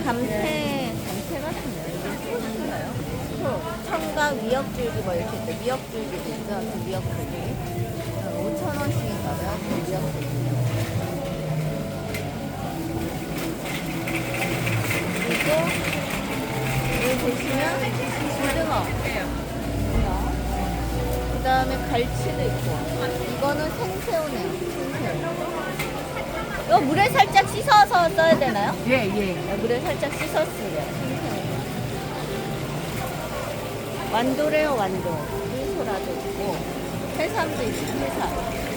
감태 같은데요. 이게 소인가요? 청각 미역줄기 뭐 이렇게 있대. 미역줄기도 있어. 그 미역줄기. 5,000원씩인가요? 그 미역줄기. 그리고 여기 보시면 고등어. 그 다음에 갈치도 있고. 이거는 생새우네요. 생새우. 이거 물에 살짝 씻어서 써야 되나요? 예, 예. 물에 살짝 씻었으래요. 생새우. 완도래요, 완도. 물소라도 있고, 해삼도 있고, 해삼.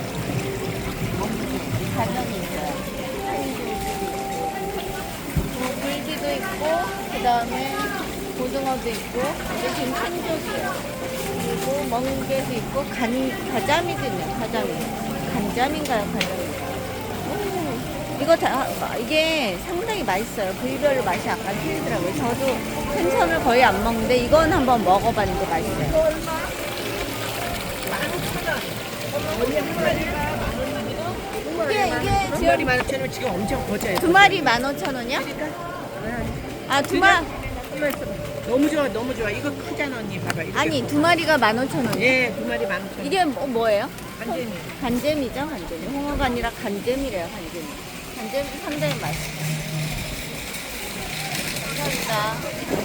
가면이 있어요. 굴기도 있고, 그 다음에 고등어도 있고, 이게 지금 생족이에요. 그리고 멍게도 있고, 가자미도 있네요, 가자미. 간자미인가요, 가자미? 이거 다, 이게 상당히 맛있어요. 부위별로 맛이 약간 틀리더라고요. 저도 생선을 거의 안 먹는데 이건 한번 먹어봤는데 맛있어요. 이게 한 마리 15,000원 지금 엄청 거져요. 두 마리 15,000원이요? 아, 두 마리. 너무 좋아, 너무 좋아. 이거 크잖아, 언니. 봐봐. 이렇게 아니, 커. 두 마리가 15,000원. 예, 두 마리 15,000원. 이게 뭐예요? 완전히. 간잼이죠, 간잼이. 홍어가 아니라 간잼이래요, 간잼이. 간잼이 상당히 맛있어요. 감사합니다.